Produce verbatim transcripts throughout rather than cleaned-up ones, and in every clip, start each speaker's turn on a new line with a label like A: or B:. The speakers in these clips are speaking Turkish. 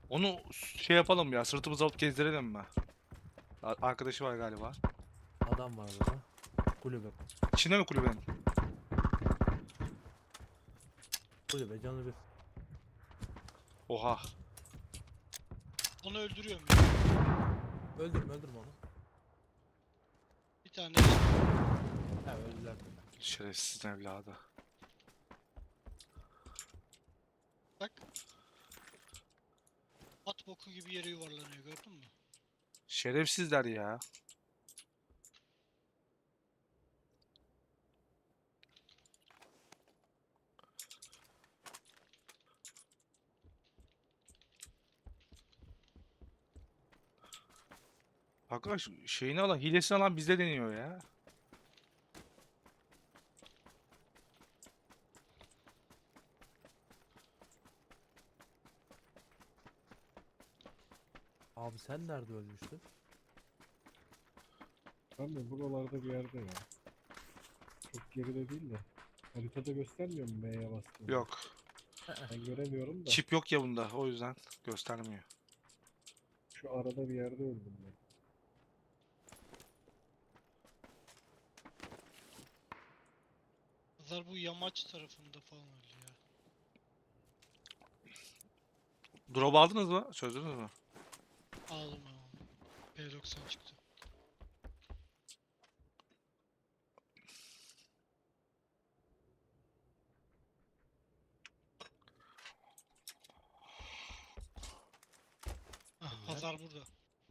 A: Onu şey yapalım ya, sırtımıza alıp gezdirelim mi? A- Arkadaşı var galiba.
B: Adam var burada. Kulübe.
A: İçinde mi kulübenin?
B: Kulübe canı bir.
A: Oha.
C: Onu öldürüyorum ya.
B: Öldürme öldürme onu.
C: Bir tane
B: He öldüler.
A: Şerefsiz evladı.
C: bak. At boku gibi yere yuvarlanıyor, gördün mü?
A: Şerefsizler ya. Arkadaş şeyini alan, hilesini alan bizde deniyor ya.
B: Abi sen nerede ölmüştün?
D: Ben de buralarda bir yerde ya. Çok geride değil de. Haritada göstermiyor mu M'ye bastığında?
A: Yok.
D: Ben göremiyorum da.
A: Çip yok ya bunda, o yüzden göstermiyor.
D: Şu arada bir yerde öldüm ben.
C: Pazar bu yamaç tarafında falan öyle ya.
A: Drop aldınız mı? Çözdünüz mü?
C: Aldım aldım. P doksan çıktı. Ah,
B: Bunlar.
C: pazar burada.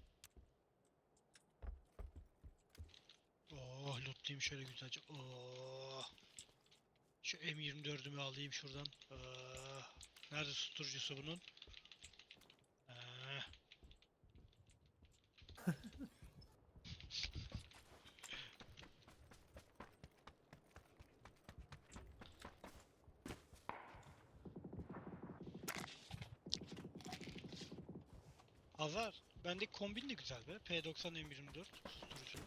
C: Oh, lootlayayım şöyle güzelce. Oh. Şu M yirmi dördümü alayım şuradan. Ah. Nerede susturucusu bunun? Ah. Pazar. Bendeki kombin de güzel be. P doksan M yirmi dört susturucu.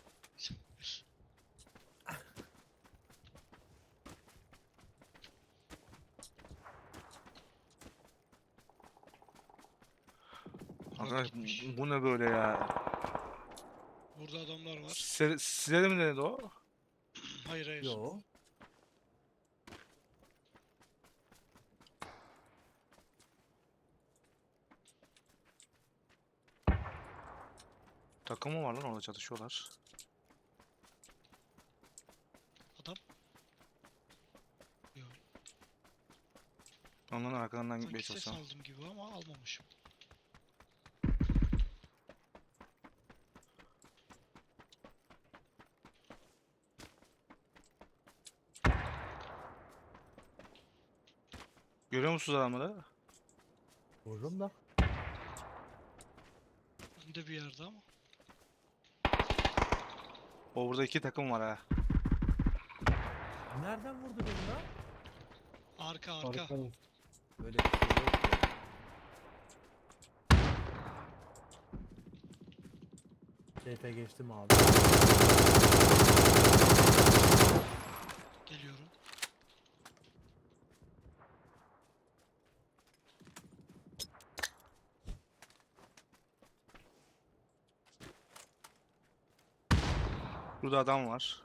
C: Murat
A: Arkadaş
C: gitmiş.
A: bu ne böyle ya?
C: Burada adamlar var.
A: Size, size de mi denedi o?
C: Hayır hayır.
B: Yo.
A: Takım mı var lan, orada çatışıyorlar.
C: Adam. Yok.
A: Onların arkalarından gitmeye
C: Sanki ses
A: çalışacağım.
C: aldım gibi ama almamışım.
A: Görüyor musunuz adamları?
B: Vururum da.
C: Önde bir yerde ama.
A: O burada iki takım var ha.
B: Nereden vurdu beni lan?
C: Arka arka.
D: Arkanız.
B: Böyle bir şey yok ya. T P geçtim abi.
C: Geliyorum.
A: Burada adam var.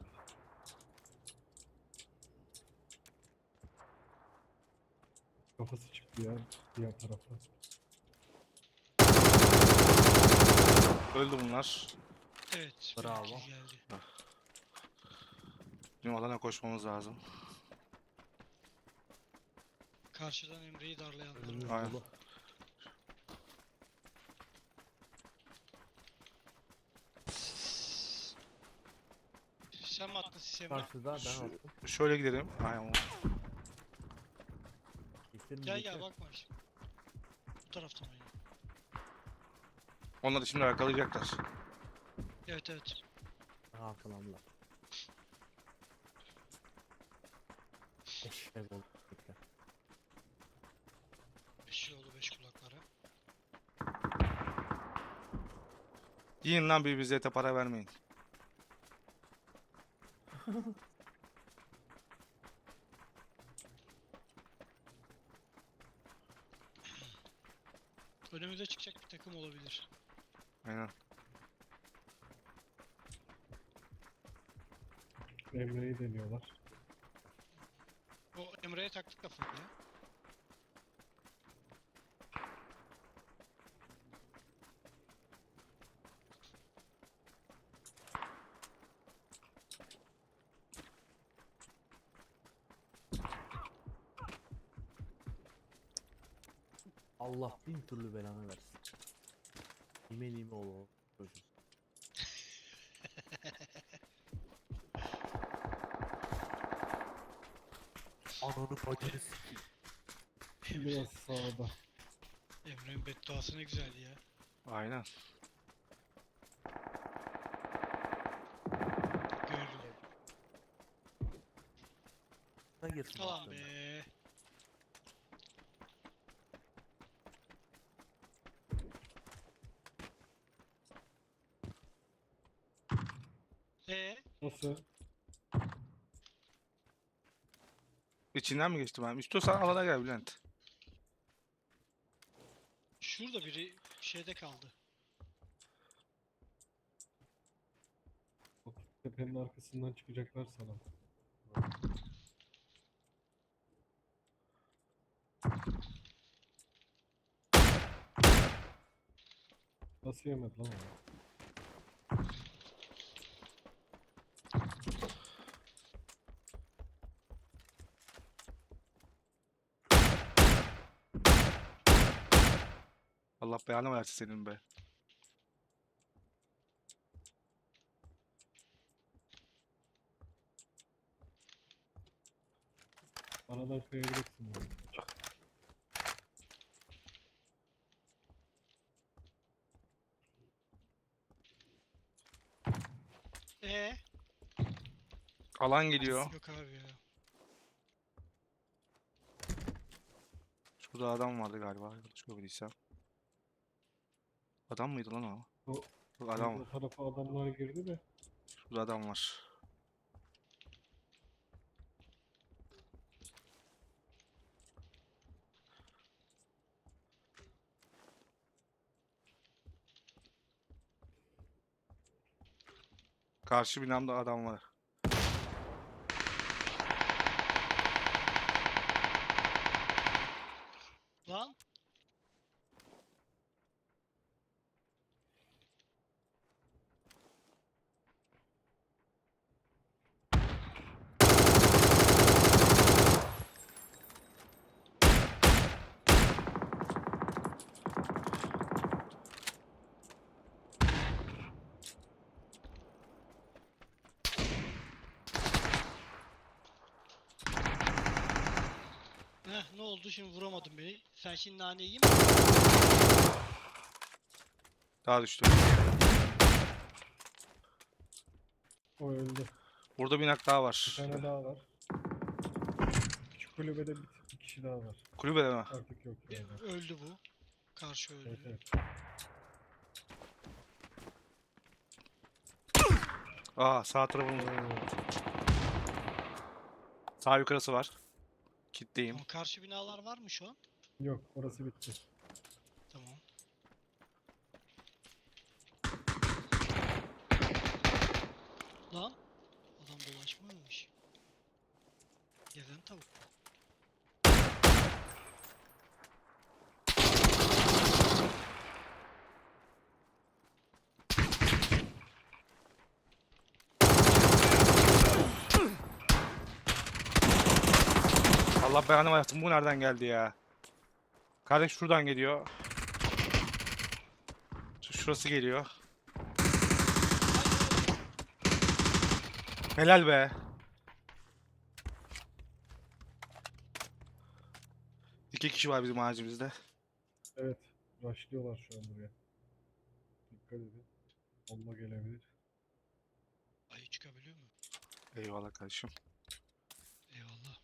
D: Kafası çıktı ya diğer tarafa.
A: Öldü bunlar.
C: Evet.
B: Bravo.
C: benimki geldi.
A: Bizim alana koşmamız lazım.
C: Karşıdan Emre'yi darlayanlar
B: Önümüz
C: var.
A: Aynen.
B: dolu.
C: Sen mi attın sistemi?
B: Karşıda ben
A: Şu-
B: attım.
A: Şöyle gidelim. Aynen.
B: Gittin mi?
C: Gel
B: Gittin.
C: gel bakma şimdi. Bu taraftan oyna.
A: Onlar da şimdi arkalayacaklar.
C: Evet evet.
B: Aha arkalandılar. Eşek oldu. Bekle.
C: Beş yolu beş kulaklara.
A: Yiyin lan, birbirinize ete para vermeyin.
C: Önümüze çıkacak bir takım olabilir.
A: Aynen.
D: Emre'yi deniyorlar.
C: O Emre'ye taktık kafayı ya.
B: Allah bin türlü belanı versin. Nime nime ol o çocuk. Ananı bacını sikeyim.
D: Biraz sağda.
C: Emre'nin bedduası ne güzeldi ya.
A: Aynen.
C: Gördüm.
B: Ne girsin
C: Alan
B: aklına.
C: be. Ee,
D: Nasıl?
A: İçinden mi geçti ben? İstiyorsan alana gel Bülent.
C: şurada biri şeyde kaldı.
D: Bak, tepenin arkasından çıkacaklar sana. Nasıl yemedi lan onu?
A: Allah belanı versin senin be.
D: Aradan kayabilirsin bunu.
C: Ee,
A: Alan geliyor.
C: yok abi ya.
A: Şurada adam vardı galiba. Yanlış görmediysem. Adam mıydı lan o?
D: O,
A: Yok, adam
D: o
A: var.
D: tarafa adamlar girdi de.
A: Şurada adam var. Karşı binamda adam var.
C: Lan. Heh, ne oldu şimdi vuramadın beni. Sen şimdi nane yiyeyim mi?
A: Daha düştü.
D: O öldü.
A: Burada bir nak daha
D: Bir
A: var.
D: tane daha var. Küçük kulübede bir, bir kişi daha var.
A: Kulübede mi?
D: Artık yok yani.
C: Öldü bu. Karşı öldü.
D: Evet evet.
A: Aa sağ tarafımızda.
D: Oo,
A: Sağ yukarısı var. Kitleyim.
C: Ama karşı binalar var mı şu an?
D: yok orası bitti.
C: Tamam. Lan. Adam dolaşmamış. Gezen tavuk.
A: Allah belanı versin. Bu nereden geldi ya? Kardeş şuradan geliyor. Şu- Şurası geliyor. Helal be. İki kişi var bizim ağacımızda.
D: Evet. Rushlıyorlar şu an buraya. Dikkat edin. Bomba gelebilir.
C: Ayı çıkabiliyor mu?
A: Eyvallah kardeşim.
C: Eyvallah.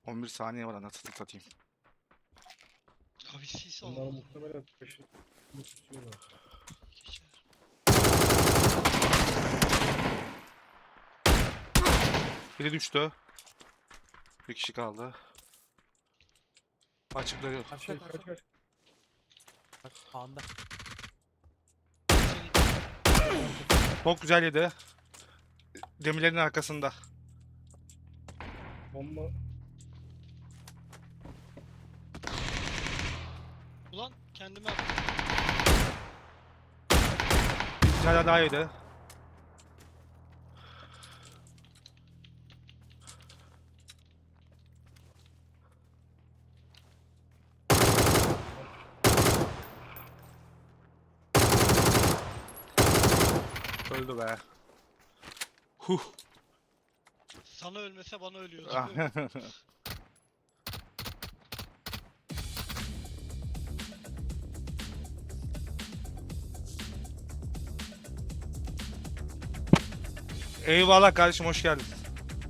A: on bir saniye var anasını satayım.
C: Abi sis
D: Onlar
C: alamadım.
D: muhtemelen taşını tutuyorlar.
C: Geçer.
A: Biri düştü. Bir kişi kaldı. Açık duruyor.
B: Kaç
D: Şey
B: kaç
D: kaç kaç.
B: kaç sağında.
C: Seni
A: Çok güzel yedi. Demirlerin arkasında.
D: Bomba
C: ulan kendime attım.
A: Bir tane daha yedi. Öldü be. Huh.
C: Sana ölmese bana ölüyordu.
A: Ah. Eyvallah kardeşim, hoş geldin.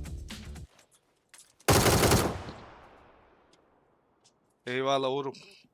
A: Eyvallah Uğur'um.